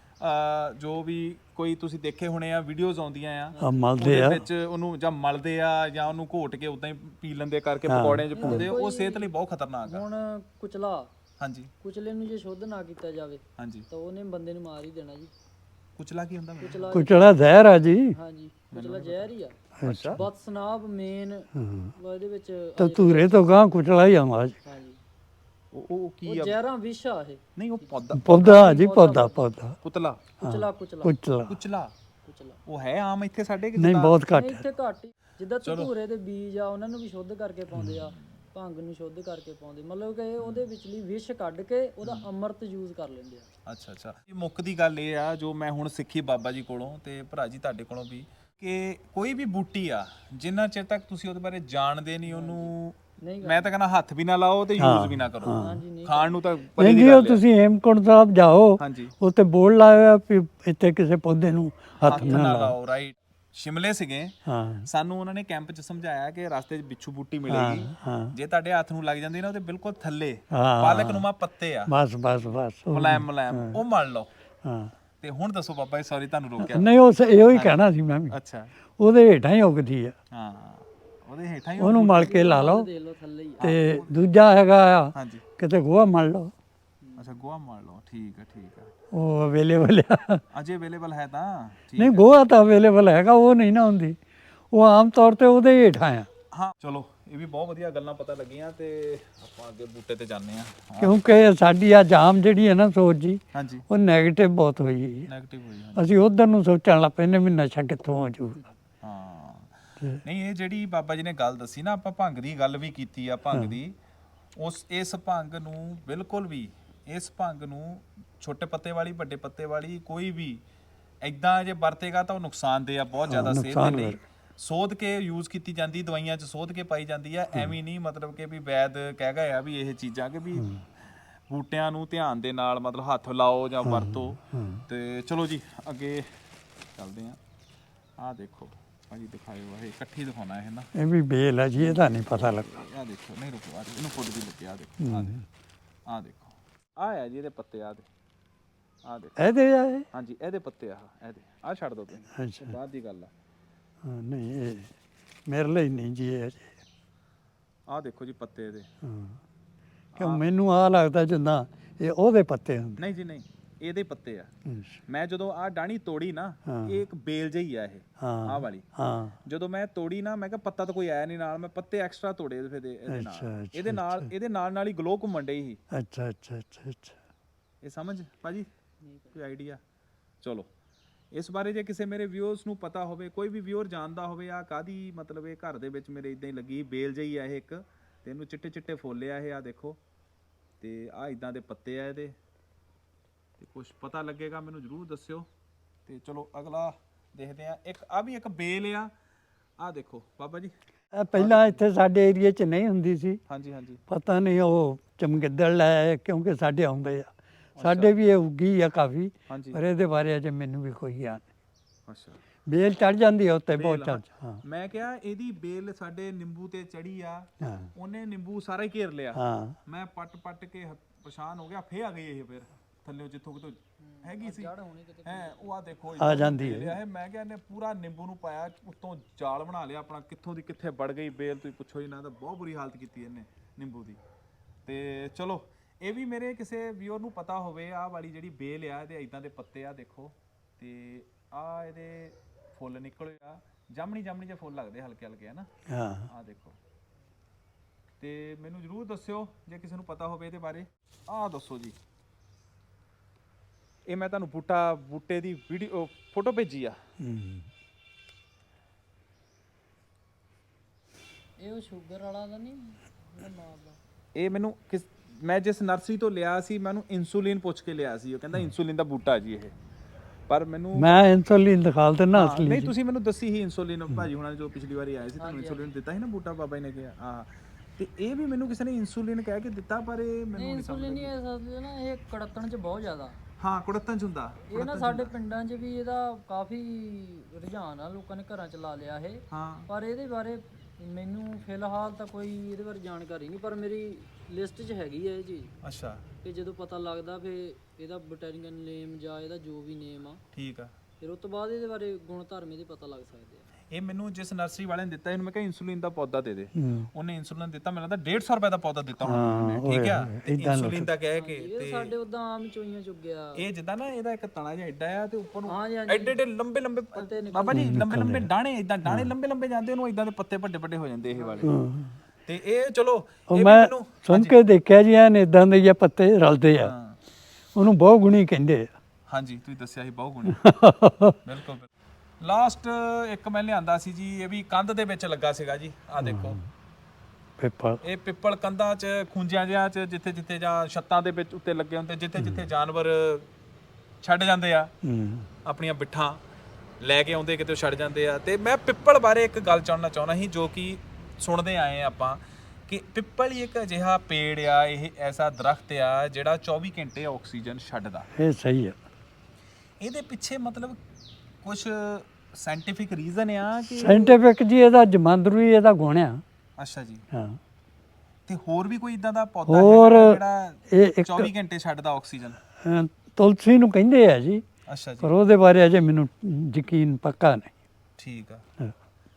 B: ਜੋ ਵੀ ਕੋਈ ਤੁਸੀਂ ਦੇਖੇ ਹੋਣੇ ਆ ਵੀਡੀਓਜ਼ ਆਉਂਦੀਆਂ ਆ,
A: ਆ ਮਲਦੇ
B: ਉਹਦੇ
A: ਆ,
B: ਵਿੱਚ ਉਹਨੂੰ ਜਾਂ ਮਲਦੇ ਆ ਜਾਂ ਉਹਨੂੰ ਘੋਟ ਕੇ ਉਦਾਂ ਹੀ ਪੀ ਲੈਂਦੇ ਕਰਕੇ ਪਕੌੜਿਆਂ 'ਚ ਪਾਉਂਦੇ ਆ, ਉਹ ਸਿਹਤ ਲਈ ਬਹੁਤ ਖਤਰਨਾਕ ਆ।
C: ਹੁਣ ਕੁਚਲਾ
B: ਹਾਂਜੀ
C: ਕੁਚਲੇ ਨੂੰ ਜੇ ਸ਼ੁੱਧ ਨਾ ਕੀਤਾ ਜਾਵੇ
B: ਹਾਂਜੀ
C: ਤਾਂ ਉਹਨੇ ਬੰਦੇ ਨੂੰ ਮਾਰ ਹੀ ਦੇਣਾ ਜੀ।
B: ਕੁਚਲਾ ਕੀ ਹੁੰਦਾ ਮੈਨੂੰ?
C: ਕੁਚਲਾ
A: ਕੁਚਲਾ ਜ਼ਹਿਰ ਆ ਜੀ।
C: ਹਾਂਜੀ ਕੁਚਲਾ ਜ਼ਹਿਰ ਹੀ ਆ।
B: ਅੱਛਾ
C: ਬਦਸਨਾਬ ਮੇਨ
A: ਹਾਂ
C: ਇਹਦੇ ਵਿੱਚ
A: ਤਾਂ ਧੂਰੇ ਤੋਂ ਗਾਂ ਕੁਚਲਾ ਹੀ ਆਵਾਜ਼।
C: ਹਾਂਜੀ
B: ਉਹ ਉਹ ਕੀ
C: ਉਹ
B: ਆ?
C: ਜ਼ਹਿਰਾਂ ਵਿਸ਼ ਆ ਇਹ।
B: ਨਹੀਂ ਉਹ ਪੌਦਾ
A: ਪੌਦਾ ਜੀ, ਪੌਦਾ ਪੌਦਾ
B: ਕੁਤਲਾ
C: ਕੁਚਲਾ ਕੁਚਲਾ
A: ਕੁਚਲਾ
B: ਕੁਚਲਾ
C: ਕੁਚਲਾ
B: ਉਹ ਹੈ ਆਮ ਇੱਥੇ ਸਾਡੇ ਕਿ
A: ਨਹੀਂ, ਬਹੁਤ ਘੱਟ
C: ਨਹੀਂ,
A: ਹੈ।
C: ਇੱਥੇ ਘੱਟ ਹੀ। ਜਿੱਦਾਂ ਧਤੂਰੇ ਦੇ ਬੀਜ ਆ ਉਹਨਾਂ ਨੂੰ ਵੀ ਸ਼ੁੱਧ ਕਰਕੇ ਪਾਉਂਦੇ ਆ, ਭੰਗ ਨੂੰ ਸ਼ੁੱਧ ਕਰਕੇ ਪਾਉਂਦੇ, ਮਤਲਬ ਕਿ ਉਹਦੇ ਵਿਚਲੀ ਵਿਸ਼ ਕੱਢ ਕੇ ਉਹਦਾ ਅੰਮ੍ਰਿਤ ਯੂਜ਼ ਕਰ ਲੈਂਦੇ ਆ।
B: ਅੱਛਾ ਅੱਛਾ ਇਹ ਮੁੱਖ ਦੀ ਗੱਲ ਇਹ ਆ ਜੋ ਮੈਂ ਹੁਣ ਸਿੱਖੀ ਬਾਬਾ ਜੀ ਕੋਲੋਂ ਤੇ ਭਰਾ ਜੀ ਤੁਹਾਡੇ ਕੋਲੋਂ ਵੀ, ਕਿ ਕੋਈ ਵੀ ਬੂਟੀ ਆ ਜਿੰਨਾ ਚਿਰ ਤੱਕ ਤੁਸੀਂ ਉਹਦੇ ਬਾਰੇ ਜਾਣਦੇ ਨਹੀਂ, ਉਹਨੂੰ ਮੈਂ ਤਾਂ ਕਹਿੰਦਾ ਹੱਥ ਵੀ ਨਾ ਲਾਓ ਤੇ ਯੂਜ਼ ਵੀ ਨਾ ਕਰੋ।
C: ਹਾਂਜੀ ਨਹੀਂ
B: ਖਾਣ ਨੂੰ ਤਾਂ ਪਰੀ
A: ਨਹੀਂ
B: ਦੀ
A: ਜੀ, ਉਹ
B: ਗੱਲ ਹੈ।
A: ਤੁਸੀਂ ਹੇਮਕੁੰਟ ਸਾਹਿਬ ਜਾਓ,
B: ਹਾਂਜੀ
A: ਉੱਥੇ ਬੋਰਡ ਲਾਇਆ ਹੋਇਆ ਵੀ ਇੱਥੇ ਕਿਸੇ ਪੌਦੇ ਨੂੰ ਹੱਥ
B: ਹੱਥ
A: ਨਾ
B: ਨਾ
A: ਲਾਓ।
B: ਲਾਓ, ਰਾਈਟ। ਸ਼ਿਮਲੇ ਸੀਗੇ,
A: ਹਾਂ
B: ਸਾਨੂੰ ਉਹਨਾਂ ਨੇ ਕੈਂਪ 'ਚ ਸਮਝਾਇਆ ਕਿ ਰਸਤੇ 'ਚ ਬਿੱਛੂ ਬੂਟੀ
A: ਹਾਂ
B: ਮਿਲੇਗੀ,
A: ਹਾਂ
B: ਜੇ ਤੁਹਾਡੇ ਹੱਥ ਨੂੰ ਲੱਗ ਜਾਂਦੀ ਨਾ ਉਹਦੇ ਬਿਲਕੁਲ ਥੱਲੇ
A: ਹਾਂ।
B: ਪਾਲਕ ਨੂੰਮਾ ਪੱਤੇ ਆ,
A: ਬਸ ਬਸ ਬਸ ਉਹ-
B: ਮੁਲਾਇਮ ਮੁਲਾਇਮ, ਉਹ ਮਲ ਲਓ।
A: ਹਾਂ
B: ਤੇ ਹੁਣ ਦੱਸੋ ਬਾਬਾ ਜੀ, ਸੌਰੀ ਤੁਹਾਨੂੰ ਰੋਕਿਆ।
A: ਨਹੀਂ, ਉਹ ਸ- ਇਹੋ ਹੀ ਕਹਿਣਾ ਸੀ ਮੈਂ ਵੀ,
B: ਅੱਛਾ,
A: ਉਹਦੇ ਹੇਠਾਂ ਹੀ ਉਗਦੀ ਆ,
B: ਹਾਂ ਉਹਦੇ ਹੇਠਾਂ ਹੀ ਉਹ
A: ਉਹਨੂੰ ਮਲ ਕੇ ਲਾ ਲਓ।
C: ਦੇਖ ਲਓ ਥੱਲੇ ਹੀ ਆ।
A: ਤੇ ਦੂਜਾ ਹੈਗਾ ਆ,
B: ਹਾਂਜੀ,
A: ਕਿਤੇ ਗੋਹਾ ਮਲ ਲਓ,
B: ਅੱਛਾ ਗੋਹਾ ਮਾਰ ਲਓ, ਠੀਕ ਹੈ ਠੀਕ ਹੈ।
A: ਉਹ ਅਵੇਲੇਬਲ ਆ।
B: ਅਜੇ ਅਵੇਲੇਬਲ ਹੈ ਤਾਂ ਠੀਕ
A: ਨਹੀਂ,
B: ਹੈ।
A: ਗੋਹਾ ਤਾਂ ਅਵੇਲੇਬਲ ਹੈਗਾ, ਉਹ ਨਹੀਂ ਨਾ ਹੁੰਦੀ, ਉਹ ਆਮ ਤੌਰ ਤੇ ਉਹਦੇ ਹੇਠਾਂ ਆ,
B: ਹਾਂ ਚਲੋ, ਇਹ ਵੀ ਬਹੁਤ ਵਧੀਆ ਗੱਲਾਂ ਪਤਾ ਲੱਗੀਆਂ ਤੇ ਆਪਾਂ ਅੱਗੇ ਬੂਟੇ ਤੇ ਜਾਂਦੇ ਆ।
A: ਕਿਉਂਕਿ ਸਾਡੀ ਆ ਜਾਮ ਜਿਹੜੀ ਹੈ ਨਾ ਸੋਚ ਜੀ,
B: ਹਾਂਜੀ,
A: ਉਹ ਨੈਗੇਟਿਵ ਬਹੁਤ ਹੋਈ ਹੈ।
B: ਨੈਗੇਟਿਵ ਹੋਈ ਹਾਂ।
A: ਅਸੀਂ ਉਧਰ ਨੂੰ ਸੋਚਣ ਲੱਗ ਪੈਂਦੇ ਵੀ ਨਸ਼ਾ ਕਿੱਥੋਂ ਹੋ ਜਾਊਗਾ।
B: ਹਾਂ ਨਹੀਂ, ਇਹ ਜਿਹੜੀ ਬਾਬਾ ਜੀ ਨੇ ਗੱਲ ਦੱਸੀ ਨਾ, ਆਪਾਂ ਭੰਗ ਦੀ ਗੱਲ ਵੀ ਕੀਤੀ ਆ, ਭੰਗ ਦੀ, ਉਸ ਇਸ ਭੰਗ ਨੂੰ ਬਿਲਕੁਲ ਵੀ, ਇਸ ਭੰਗ ਨੂੰ ਛੋਟੇ ਪੱਤੇ ਵਾਲੀ ਵੱਡੇ ਪੱਤੇ ਵਾਲੀ ਕੋਈ ਵੀ ਐਦਾਂ ਜੇ ਵਰਤੇਗਾ ਤਾਂ ਉਹ ਨੁਕਸਾਨਦੇਹ ਆ ਬਹੁਤ ਜ਼ਿਆਦਾ ਸਿਹਤ ਦੇ ਲਈ। ਸੋਧ ਕੇ ਯੂਜ਼ ਕੀਤੀ ਜਾਂਦੀ, ਦਵਾਈਆਂ 'ਚ ਸੋਧ ਕੇ ਪਾਈ ਜਾਂਦੀ ਆ, ਐਵੇਂ ਨਹੀਂ ਮਤਲਬ ਕਿ ਵੀ ਵੈਦ ਕਹਿ ਗਏ ਆ ਵੀ ਇਹ ਚੀਜ਼ਾਂ ਕਿ ਵੀ ਬੂਟਿਆਂ ਨੂੰ ਧਿਆਨ ਦੇ ਨਾਲ ਮਤਲਬ ਹੱਥ ਲਾਓ ਜਾਂ ਵਰਤੋ। ਤੇ ਚਲੋ ਜੀ ਅੱਗੇ ਚੱਲਦੇ ਆ। ਆਹ ਦੇਖੋ ਭਾਜੀ, ਦਿਖਾਇਓ, ਇਹ ਇਕੱਠੀ ਦਿਖਾਉਣਾ ਇਹ ਨਾ,
A: ਇਹ ਵੀ ਬੇਲ ਹੈ ਜੀ, ਇਹਦਾ ਨਹੀਂ ਪਤਾ ਲੱਗਾ।
B: ਆਹ ਦੇਖੋ, ਨਹੀਂ ਰੁਕੋ, ਆਹ ਇਹਨੂੰ ਫੁੱਲ ਵੀ ਲੱਗੇ, ਆਹ ਦੇਖੋ, ਆਹ ਦੇਖੋ, ਆਹ ਦੇਖੋ, ਆਹ ਆ ਜੀ ਇਹਦੇ ਪੱਤੇ, ਆਹ ਦੇ, ਆਹ ਦੇਖੋ,
A: ਇਹਦੇ ਆ ਇਹ?
B: ਹਾਂਜੀ ਇਹਦੇ ਪੱਤੇ, ਆਹ ਇਹਦੇ, ਆਹ ਛੱਡ ਦੋ ਤੁਸੀਂ,
A: ਅੱਛਾ
B: ਬਾਅਦ ਦੀ ਗੱਲ ਆ।
A: ਹਾਂ, ਨਹੀਂ ਇਹ ਮੇਰੇ ਲਈ ਨਹੀਂ ਜੀ ਇਹ ਅਜੇ।
B: ਆਹ ਦੇਖੋ ਜੀ ਪੱਤੇ ਇਹਦੇ।
A: ਹਾਂ, ਕਿਉਂ ਮੈਨੂੰ ਆ ਲੱਗਦਾ ਜਿੱਦਾਂ ਇਹ ਉਹਦੇ ਪੱਤੇ ਹੁੰਦੇ।
B: ਨਹੀਂ ਜੀ ਨਹੀਂ, ਇਹਦੇ ਪੱਤੇ ਆ।
A: ਅੱਛਾ,
B: ਮੈਂ ਜਦੋਂ ਆਹ ਡਾਣੀ ਤੋੜੀ ਨਾ,
A: ਹਾਂ।
B: ਇਹ ਇੱਕ ਬੇਲ ਜਿਹੀ ਆ ਇਹ,
A: ਹਾਂ
B: ਆਹ ਵਾਲੀ।
A: ਹਾਂ
B: ਜਦੋਂ ਮੈਂ ਤੋੜੀ ਨਾ, ਮੈਂ ਕਿਹਾ ਪੱਤਾ ਤਾਂ ਕੋਈ ਆਇਆ ਨਹੀਂ ਨਾਲ, ਮੈਂ ਪੱਤੇ ਐਕਸਟਰਾ ਤੋੜੇ ਇਹਦੇ ਇਹਦੇ
A: ਅੱਛਾ,
B: ਨਾਲ,
A: ਅੱਛਾ,
B: ਇਹਦੇ ਨਾਲ ਇਹਦੇ ਨਾਲ ਨਾਲ ਹੀ ਗਲੋ ਘੁੰਮਣ ਡਈ ਸੀ।
A: ਅੱਛਾ ਅੱਛਾ ਅੱਛਾ ਅੱਛਾ।
B: ਇਹ ਸਮਝ ਭਾਜੀ, ਕੋਈ ਆਈਡੀਆ? ਚਲੋ, ਇਸ ਬਾਰੇ ਜੇ ਕਿਸੇ ਮੇਰੇ ਵਿਊਅਰਸ ਨੂੰ ਪਤਾ ਹੋਵੇ, ਕੋਈ ਵੀ ਵਿਊਅਰ ਜਾਣਦਾ ਹੋਵੇ ਆ ਕਾਦੀ ਮਤਲਬ ਇਹ ਘਰ ਦੇ ਵਿੱਚ ਮੇਰੇ ਇਦਾਂ ਹੀ ਲੱਗੀ ਬੇਲ ਜਿਹੀ ਆ ਇਹ ਇੱਕ, ਤੇ ਇਹਨੂੰ ਚਿੱਟੇ ਚਿੱਟੇ ਫੁੱਲ ਆ ਇਹ, ਆ ਦੇਖੋ, ਤੇ ਆ ਇਦਾਂ ਦੇ ਪੱਤੇ ਆ ਇਹਦੇ, ਤੇ ਕੁਝ ਪਤਾ ਲੱਗੇਗਾ ਮੈਨੂੰ ਜ਼ਰੂਰ ਦੱਸਿਓ। ਤੇ ਚਲੋ ਅਗਲਾ ਦੇਖਦੇ ਆ। ਇੱਕ ਆ ਵੀ ਇੱਕ ਬੇਲ ਆ, ਆ ਦੇਖੋ ਬਾਬਾ ਜੀ,
A: ਇਹ ਪਹਿਲਾਂ ਇੱਥੇ ਸਾਡੇ ਏਰੀਏ 'ਚ ਨਹੀਂ ਹੁੰਦੀ ਸੀ,
B: ਹਾਂਜੀ ਹਾਂਜੀ,
A: ਪਤਾ ਨਹੀਂ ਉਹ ਚਮਗਿੱਦੜ ਲੈ, ਕਿਉਂਕਿ ਸਾਡੇ ਆਉਂਦੇ ਆ, ਸਾਡੇ ਵੀ ਇਹ ਉੱਗੀ ਆ ਕਾਫੀ,
B: ਹਾਂਜੀ,
A: ਪਰ ਇਹਦੇ ਬਾਰੇ ਅਜੇ ਮੈਨੂੰ ਵੀ ਕੋਈ ਗਿਆਨ ਨਹੀਂ।
B: ਅੱਛਾ।
A: ਬੇਲ ਚੜ ਜਾਂਦੀ ਆ ਉੱਤੇ, ਬਹੁਤ
B: ਬੇਲ,
A: ਚੜ। ਹਾਂ
B: ਮੈਂ ਕਿਹਾ ਇਹਦੀ ਬੇਲ ਸਾਡੇ ਨਿੰਬੂ ਤੇ ਚੜੀ ਆ,
A: ਹਾਂ
B: ਉਹਨੇ ਨਿੰਬੂ ਸਾਰਾ ਹੀ ਘੇਰ ਲਿਆ।
A: ਹਾਂ
B: ਮੈਂ ਪੱਟ ਪੱਟ ਕੇ ਹ- ਪਰੇਸ਼ਾਨ ਹੋ ਗਿਆ, ਫੇਰ ਆ ਗਈ ਇਹ ਫਿਰ ਥੱਲੇ ਜਿੱਥੋਂ ਕਿਤੋਂ ਹੈਗੀ ਸੀ ਹੈ, ਉਹ ਆ ਦੇਖੋ
A: ਆ ਜਾਂਦੀ ਹੈ।
B: ਹੈ। ਮੈਂ ਕਿਹਾ ਇਹਨੇ ਪੂਰਾ ਨਿੰਬੂ ਨੂੰ ਪਾਇਆ, ਉੱਤੋਂ ਜਾਲ ਬਣਾ ਲਿਆ ਆਪਣਾ, ਕਿੱਥੋਂ ਦੀ ਕਿੱਥੇ ਵੜ ਗਈ ਬੇਲ, ਤੁਸੀਂ ਪੁੱਛੋ ਹੀ ਨਾ, ਤਾਂ ਬਹੁਤ ਬੁਰੀ ਹਾਲਤ ਕੀਤੀ ਇਹਨੇ ਨਿੰਬੂ ਦੀ। ਤੇ ਚਲੋ, ਇਹ ਵੀ ਮੇਰੇ ਕਿਸੇ ਵਿਊਅਰ ਨੂੰ ਪਤਾ ਹੋਵੇ, ਆਹ ਵਾਲੀ ਜਿਹੜੀ ਬੇਲ ਆ, ਇਹਦੇ ਇਦਾਂ ਦੇ ਪੱਤੇ ਆ ਦੇਖੋ, ਤੇ ਆ ਇਹਦੇ ਫੁੱਲ ਨਿਕਲੇ ਆ, ਜਾਮਣੀ ਜਾਮਣੀ ਜਿਹੇ ਫੁੱਲ ਲੱਗਦੇ ਹਲਕੇ ਹਲਕੇ, ਹੈ ਨਾ।
A: ਹਾਂ
B: ਆਹ ਦੇਖੋ, ਤੇ ਮੈਨੂੰ ਜ਼ਰੂਰ ਦੱਸਿਓ ਜੇ ਕਿਸੇ ਨੂੰ ਪਤਾ ਹੋਵੇ ਇਹਦੇ ਬਾਰੇ। ਆਹ ਦੱਸੋ ਜੀ, ਇਹ ਮੈਂ ਤੁਹਾਨੂੰ ਬੂਟਾ ਬੂਟੇ ਦੀ ਵੀਡੀਓ ਫੋਟੋ ਭੇਜੀ ਆ।
A: ਹੂੰ।
C: ਇਹ ਉਹ ਸ਼ੂਗਰ ਵਾਲਾ ਦਾ ਨਹੀਂ, ਜਿਹੜਾ ਨਾਲ ਦਾ।
B: ਇਹ ਮੈਨੂੰ ਕਿਸ ਮੈਂ ਜਿਸ ਨਰਸਰੀ ਤੋਂ ਲਿਆ ਸੀ, ਮੈਨੂੰ ਇਨਸੂਲਿਨ ਪੁੱਛ ਕੇ ਲਿਆ ਸੀ, ਉਹ ਕਹਿੰਦਾ ਇਨਸੂਲਿਨ ਦਾ ਬੂਟਾ ਜੀ ਇਹ, ਪਰ ਮੈਨੂੰ
A: ਮੈਂ ਇਨਸੂਲਿਨ ਦਿਖਾਲ ਤੇ ਨਾ
B: ਹਾਂ,
A: ਅਸਲੀ
B: ਨਹੀਂ
A: ਜੀ।
B: ਤੁਸੀਂ ਮੈਨੂੰ ਦੱਸੀ ਸੀ ਇਨਸੂਲਿਨ, ਭਾਜੀ ਹੁਣਾਂ ਨੇ ਜੋ ਪਿਛਲੀ ਵਾਰੀ ਆਏ ਸੀ ਤੁਹਾਨੂੰ ਇਨਸੂਲਿਨ ਦਿੱਤਾ ਸੀ ਨਾ ਬੂਟਾ, ਬਾਬਾ ਜੀ ਨੇ ਕਿਹਾ। ਹਾਂ, ਤੇ ਇਹ ਵੀ ਮੈਨੂੰ ਕਿਸੇ ਨੇ ਇਨਸੂਲਿਨ ਕਹਿ ਕੇ ਦਿੱਤਾ, ਪਰ ਇਹ ਮੈਨੂੰ ਨਹੀਂ ਸਮਝ
C: ਇਨਸੂਲਿਨ ਹੀ ਇਸ ਅਸਲ ਨਾ ਇਹ ਕੜਤਣ ਚ ਬਹੁਤ ਜ਼ਿਆਦਾ।
B: ਹਾਂ ਕੁੜਤਨ ਚ ਹੁੰਦਾ
C: ਇਹ ਨਾ ਸਾਡੇ ਪਿੰਡਾਂ 'ਚ ਵੀ ਇਹਦਾ ਕਾਫੀ ਰੁਝਾਨ ਆ, ਲੋਕਾਂ ਨੇ ਘਰਾਂ 'ਚ ਲਾ ਲਿਆ ਇਹ।
B: ਹਾਂ,
C: ਪਰ ਇਹਦੇ ਬਾਰੇ ਮੈਨੂੰ ਫਿਲਹਾਲ ਤਾਂ ਕੋਈ ਇਹਦੇ ਬਾਰੇ ਜਾਣਕਾਰੀ ਨਹੀਂ, ਪਰ ਮੇਰੀ ਲਿਸਟ 'ਚ ਹੈਗੀ ਹੈ ਇਹ ਚੀਜ਼।
B: ਅੱਛਾ
C: ਕਿ ਜਦੋਂ ਪਤਾ ਲੱਗਦਾ ਫਿਰ ਇਹਦਾ ਬੋਟੈਨੀਕਲ ਨੇਮ ਜਾਂ ਇਹਦਾ ਜੋ ਵੀ ਨੇਮ ਆ,
B: ਠੀਕ ਆ।
C: ਫਿਰ ਉਸ ਤੋਂ ਬਾਅਦ ਇਹਦੇ ਬਾਰੇ ਗੁਣ ਧਰਮ ਇਹਦੇ ਪਤਾ ਲੱਗ ਸਕਦੇ ਆ।
B: ਇਹ ਮੈਨੂੰ ਜਿਸ ਨਰਸਰੀ ਵਾਲੇ ਨੇ ਦਿੱਤਾ, ਇਹਨੂੰ ਮੈਂ ਕਿਹਾ ਇਨਸੂਲਿਨ ਦਾ ਪੌਦਾ ਦੇ ਦੇ,
A: ਹੂੰ।
B: ਉਹਨੇ ਇਨਸੂਲਿਨ ਦਿੱਤਾ, ਮੈਨੂੰ ਲੱਗਦਾ ਡੇਢ ਸੌ ਰੁਪਏ ਦਾ ਪੌਦਾ ਦਿੱਤਾ
A: ਹਾਂ,
B: ਹੋਣਾ, ਠੀਕ ਆ। ਤੇ
A: ਏਦਾਂ
B: ਇਨਸੂਲਿਨ ਦਾ ਕਹਿ ਕੇ,
C: ਇਹ ਸਾਡੇ ਉਦਾਂ ਆਮ ਚੋਈਆਂ ਚੁੱਗਿਆ।
B: ਇਹ ਜਿੱਦਾਂ ਨਾ ਇਹਦਾ ਇੱਕ ਤਣਾ ਜਿਹਾ ਐਡਾ ਆ, ਤੇ ਉੱਪਰ ਨੂੰ
C: ਹਾਂਜੀ ਹਾਂਜੀ
B: ਐਡੇ ਐਡੇ ਲੰਬੇ ਲੰਬੇ ਬਾਬਾ ਜੀ, ਲੰਬੇ ਲੰਬੇ ਡਾਣੇ, ਇਦਾਂ ਡਾਣੇ ਲੰਬੇ ਲੰਬੇ ਜਾਂਦੇ, ਉਹਨੂੰ ਇਦਾਂ ਦੇ ਪੱਤੇ ਵੱਡੇ ਵੱਡੇ ਹੋ ਜਾਂਦੇ ਇਹ ਵਾਲੇ।
A: ਹਾਂ।
B: ਤੇ ਇਹ ਚਲੋ
A: ਉਹ
B: ਇਹ ਵੀ
A: ਮੈਂ
B: ਮੈਨੂੰ
A: ਸੁਣ ਕੇ ਦੇਖਿਆ ਜੀ, ਐਨ ਇਦਾਂ ਦੇ ਜਿਹੇ ਪੱਤੇ ਰਲਦੇ ਆ,
B: ਹਾਂ,
A: ਉਹਨੂੰ ਬਹੁ ਗੁਣੀ ਕਹਿੰਦੇ ਆ।
B: ਹਾਂਜੀ ਤੁਸੀਂ ਦੱਸਿਆ ਸੀ ਬਹੁਤ ਗੁਣੀ, ਬਿਲਕੁਲ ਬਿਲਕੁਲ। ਲਾਸਟ ਇੱਕ ਮੈਂ ਲਿਆਂਦਾ ਸੀ ਜੀ, ਇਹ ਵੀ ਕੰਧ ਦੇ ਵਿੱਚ ਲੱਗਾ ਸੀਗਾ ਜੀ, ਆਹ ਦੇਖੋ
A: ਪਿੱਪਲ।
B: ਇਹ ਪਿੱਪਲ ਕੰਧਾਂ 'ਚ ਖੁੰਝਿਆਂ ਜਿਹਾਂ 'ਚ ਜਿੱਥੇ ਜਿੱਥੇ ਜਾਂ ਛੱਤਾਂ ਦੇ ਵਿੱਚ ਉੱਤੇ ਲੱਗੇ ਹੁੰਦੇ, ਜਿੱਥੇ ਜਿੱਥੇ ਜਾਨਵਰ ਛੱਡ ਜਾਂਦੇ ਆ
A: ਹੂੰ।
B: ਆਪਣੀਆਂ ਬਿੱਠਾਂ ਲੈ ਕੇ ਆਉਂਦੇ, ਕਿਤੇ ਛੱਡ ਜਾਂਦੇ ਆ। ਤੇ ਮੈਂ ਪਿੱਪਲ ਬਾਰੇ ਇੱਕ ਗੱਲ ਚਾਹਣਾ ਚਾਹੁੰਦਾ ਸੀ, ਜੋ ਕਿ ਸੁਣਦੇ ਆਏ ਆ ਆਪਾਂ, ਕਿ ਪਿੱਪਲ ਹੀ ਇੱਕ ਅਜਿਹਾ ਪੇੜ ਆ, ਇਹ ਐਸਾ ਦਰਖਤ ਆ ਜਿਹੜਾ ਚੌਵੀ ਘੰਟੇ ਆਕਸੀਜਨ ਛੱਡਦਾ।
A: ਇਹ ਸਹੀ ਆ।
B: ਇਹਦੇ ਪਿੱਛੇ ਮਤਲਬ ਕੁਝ ਸਾਇੰਟੀਫਿਕ ਰੀਜ਼ਨ ਆ ਕਿ
A: ਸਾਇੰਟੀਫਿਕ ਜੀ ਇਹਦਾ ਜਮਾਂਦਰੂ ਹੀ ਇਹਦਾ ਗੁਣ ਆ।
B: ਅੱਛਾ ਜੀ।
A: ਹਾਂ
B: ਤੇ ਹੋਰ ਵੀ ਕੋਈ ਇਦਾਂ ਦਾ ਪੌਦਾ
A: ਹੋਰ
B: ਹੈਗਾ ਜਿਹੜਾ
A: ਇਹ ਇੱਕ
B: ਚੌਵੀ ਘੰਟੇ ਛੱਡਦਾ ਆਕਸੀਜਨ?
A: ਅ, ਤੁਲਸੀ ਨੂੰ ਕਹਿੰਦੇ ਆ ਜੀ,
B: ਅੱਛਾ ਜੀ।
A: ਪਰ ਉਹਦੇ ਬਾਰੇ ਅਜੇ ਮੈਨੂੰ ਯਕੀਨ ਪੱਕਾ ਨਹੀਂ।
B: ਠੀਕ ਆ।
A: ਹਾਂ।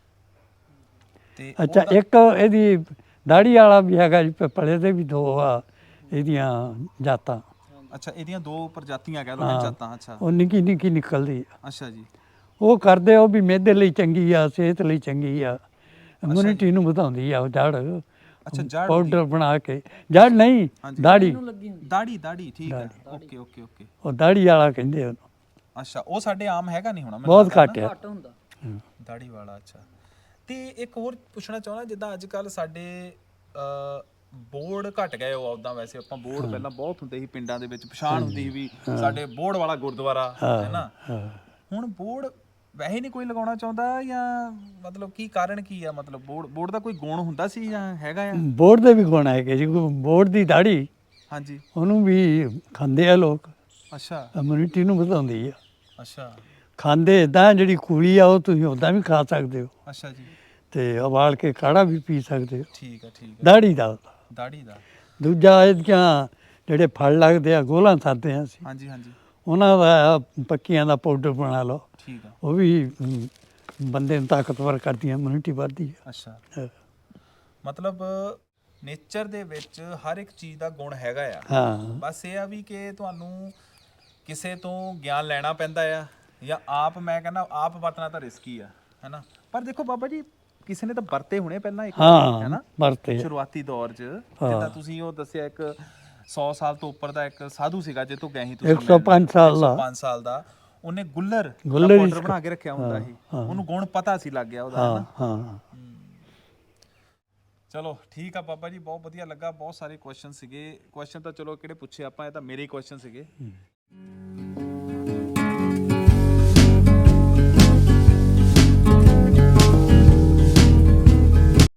B: ਤੇ
A: ਅੱਛਾ,
B: ਉਹਦਾ-
A: ਇੱਕ ਇਹਦੀ ਦਾੜੀ ਵਾਲਾ ਵੀ ਹੈਗਾ ਜੀ, ਪਿੱਪਲੇ ਦੇ ਵੀ ਦੋ ਆ ਇਹਦੀਆਂ ਜਾਤਾਂ।
B: ਅੱਛਾ, ਇਹਦੀਆਂ ਦੋ ਪ੍ਰਜਾਤੀਆਂ ਕਹਿ ਲਓ ਜਾਤਾਂ। ਅੱਛਾ
A: ਉਹ ਨਿੱਕੀ ਨਿੱਕੀ ਨਿਕਲਦੀ ਆ।
B: ਅੱਛਾ ਜੀ।
A: ਉਹ ਕਰਦੇ ਉਹ ਵੀ ਮਿਹਦੇ ਲਈ ਚੰਗੀ ਆ, ਸਿਹਤ ਲਈ ਚੰਗੀ ਆ, ਇਮਿਊਨਿਟੀ ਨੂੰ ਵਧਾਉਂਦੀ ਆ ਉਹ ਜੜ।
B: ਅੱਛਾ, ਜੜ
A: ਪਾਊਡਰ ਬਣਾ ਕੇ, ਜੜ ਨਹੀਂ ਦਾੜੀ,
C: ਨੂੰ ਲੱਗੀ ਹੁੰਦੀ।
B: ਦਾੜੀ ਦਾੜੀ ਠੀਕ ਹੈ। Okay okay okay.
A: ਉਹ ਦਾੜੀ ਵਾਲਾ ਕਹਿੰਦੇ ਉਹਨੂੰ।
B: ਅੱਛਾ, ਉਹ ਸਾਡੇ ਆਮ ਹੈਗਾ ਨਹੀਂ ਹੋਣਾ ਮੈਨੂੰ
A: ਬਹੁਤ
B: ਲੱਗਦਾ
A: ਘੱਟ
B: ਨਾ।
A: ਆ।
C: ਘੱਟ ਹੁੰਦਾ।
B: ਦਾੜੀ ਵਾਲਾ। ਅੱਛਾ, ਤੇ ਇੱਕ ਹੋਰ ਪੁੱਛਣਾ ਚਾਹੁੰਦਾ, ਜਿੱਦਾਂ ਅੱਜ ਕੱਲ ਸਾਡੇ ਬੋਰਡ ਘਟ ਗਏ ਉਹ ਉਦਾਂ, ਵੈਸੇ ਆਪਾਂ ਬੋਰਡ ਪਹਿਲਾਂ ਬਹੁਤ ਹੁੰਦੇ ਸੀ ਪਿੰਡਾਂ ਦੇ ਵਿੱਚ, ਪਛਾਣ ਹੁੰਦੀ ਸੀ ਵੀ ਸਾਡੇ ਬੋਰਡ ਵਾਲਾ ਗੁਰਦੁਆਰਾ ਹੈ ਨਾ। ਹੁਣ ਬੋਰਡ ਵੈਸੇ ਨਹੀਂ ਕੋਈ ਲਗਾਉਣਾ ਚਾਹੁੰਦਾ, ਜਾਂ ਮਤਲਬ ਕੀ ਕਾਰਨ ਕੀ ਆ? ਮਤਲਬ ਬੋਰਡ ਬੋਰਡ ਦਾ ਕੋਈ ਗੁਣ ਹੁੰਦਾ ਸੀ ਜਾਂ ਹੈਗਾ ਆ?
A: ਬੋਰਡ ਦੇ ਵੀ ਗੁਣ ਹੈਗੇ ਜੀ। ਬੋਰਡ ਦੀ ਦਾੜੀ
B: ਹਾਂਜੀ।
A: ਉਹਨੂੰ ਵੀ ਖਾਂਦੇ ਆ ਲੋਕ,
B: ਅੱਛਾ
A: ਇਮਿਊਨਿਟੀ ਨੂੰ ਵਧਾਉਂਦੀ ਆ।
B: ਅੱਛਾ
A: ਖਾਂਦੇ ਇਦਾਂ, ਜਿਹੜੀ ਕੂਲੀ ਆ ਉਹ ਤੁਸੀਂ ਉੱਦਾਂ ਵੀ ਖਾ ਸਕਦੇ ਹੋ,
B: ਅੱਛਾ ਜੀ।
A: ਤੇ ਉਬਾਲ ਕੇ ਕਾੜਾ ਵੀ ਪੀ ਸਕਦੇ ਹੋ।
B: ਠੀਕ ਆ ਠੀਕ ਆ।
A: ਦਾੜੀ ਦਾ।
B: ਦਾੜੀ ਦਾ।
A: ਦੂਜਾ ਇਹਦੀਆਂ ਜਿਹੜੇ ਫਲ ਲੱਗਦੇ ਆ, ਗੋਲਾਂ ਖਾਂਦੇ ਆ ਅਸੀਂ,
B: ਹਾਂਜੀ ਹਾਂਜੀ।
A: ਉਹਨਾਂ ਦਾ ਪੱਕੀਆਂ ਦਾ ਪਾਊਡਰ ਬਣਾ ਲਓ,
B: ਠੀਕ ਆ।
A: ਉਹ ਵੀ ਅਮ, ਬੰਦੇ ਨੂੰ ਤਾਕਤਵਰ ਕਰਦੀਆਂ, ਇਮਿਊਨਿਟੀ ਵੱਧਦੀ ਆ।
B: ਅੱਛਾ,
A: ਹਾਂ।
B: ਮਤਲਬ ਨੇਚਰ ਦੇ ਵਿੱਚ ਹਰ ਇੱਕ ਚੀਜ਼ ਦਾ ਗੁਣ ਹੈਗਾ ਆ।
A: ਹਾਂ
B: ਬਸ ਇਹ ਆ ਵੀ ਕਿ ਤੁਹਾਨੂੰ ਕਿਸੇ ਤੋਂ ਗਿਆਨ ਲੈਣਾ ਪੈਂਦਾ ਆ, ਜਾਂ ਆਪ, ਮੈਂ ਕਹਿੰਦਾ ਆਪ ਵਰਤਣਾ ਤਾਂ ਰਿਸਕੀ ਆ, ਹੈਨਾ। ਪਰ ਦੇਖੋ ਬਾਬਾ ਜੀ, ਕਿਸੇ ਨੇ ਤਾਂ ਵਰਤੇ ਹੋਣੇ ਪਹਿਲਾਂ ਇੱਕ,
A: ਹਾਂ
B: ਹੈਨਾ,
A: ਵਰਤੇ।
B: ਸ਼ੁਰੂਆਤੀ ਦੌਰ 'ਚ। ਜਿੱਦਾਂ ਤੁਸੀਂ ਉਹ ਦੱਸਿਆ, ਇੱਕ ਸੌ ਸਾਲ ਤੋਂ ਉੱਪਰ ਦਾ ਇੱਕ ਸਾਧੂ ਸੀਗਾ ਜੇ ਤੋਂ ਗਏ ਸੀ ਤੁਸੀਂ,
A: ਇੱਕ ਸੌ ਪੰਜ ਸਾਲ ਦਾ।
B: ਪੰਜ ਸਾਲ ਦਾ, ਉਹਨੇ ਗੁੱਲਰ ਦਾ
A: ਗੁੱਲਰ
B: ਪਾਊਡਰ
A: ਹੀ
B: ਬਣਾ ਕੇ ਰੱਖਿਆ ਹੁੰਦਾ ਸੀ।
A: ਹਾਂ।
B: ਉਹਨੂੰ ਗੁਣ ਪਤਾ ਸੀ, ਲੱਗ ਗਿਆ ਉਹਦਾ,
A: ਹਾਂ
B: ਹੈਨਾ।
A: ਹਾਂ।
B: ਚਲੋ ਠੀਕ ਆ ਬਾਬਾ ਜੀ, ਬਹੁਤ ਵਧੀਆ ਲੱਗਾ। ਬਹੁਤ ਸਾਰੇ ਕੁਐਸਚਨ ਸੀਗੇ। ਕੁਐਸਚਨ ਤਾਂ ਚਲੋ ਕਿਹੜੇ ਪੁੱਛੇ ਆਪਾਂ, ਇਹ ਤਾਂ ਮੇਰੇ ਹੀ ਕੁਐਸਚਨ ਸੀਗੇ।